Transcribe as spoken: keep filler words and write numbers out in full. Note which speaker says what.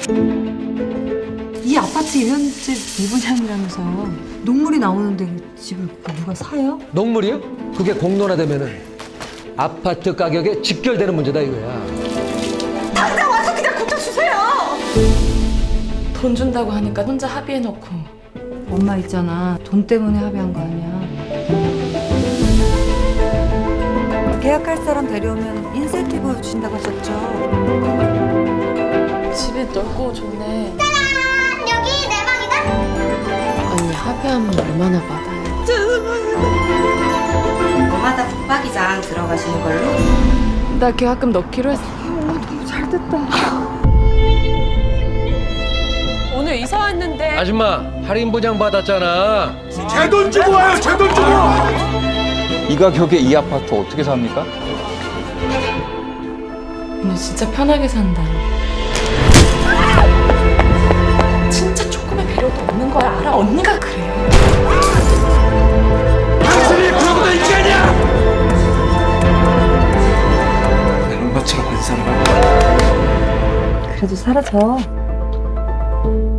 Speaker 1: 이 아파트 일 년째 미분양이라면서요. 녹물이 나오는데 집을 누가 사요?
Speaker 2: 녹물이요? 그게 공론화되면은 아파트 가격에 직결되는 문제다 이거야.
Speaker 1: 당장 와서 그냥 고쳐주세요!
Speaker 3: 돈 준다고 하니까 혼자 합의해놓고.
Speaker 1: 엄마 있잖아. 돈 때문에 합의한 거 아니야. 계약할 사람 데려오면 인센티브 준다고 하셨죠?
Speaker 3: 집이 넓고 좋네.
Speaker 4: 여기 내 방이다.
Speaker 3: 언니 합의하면 얼마나 받아요?
Speaker 5: 저마다 붙박이장 들어가시는 걸로.
Speaker 3: 나 계약금 넣기로 했어.
Speaker 6: 오늘 이사 왔는데
Speaker 2: 아줌마 할인 보장 받았잖아.
Speaker 7: 제 돈 주고 와요, 제 돈 주고!
Speaker 8: 이 가격에 이 아파트 어떻게 삽니까?
Speaker 3: 언니 진짜 편하게 산다. 진짜 조금의 배려도 없는 거야. 알아? 언니가 그래.
Speaker 7: 당신이 그러고도 인간이야! 나는 너처럼 안 살아.
Speaker 1: 그래도 사라져.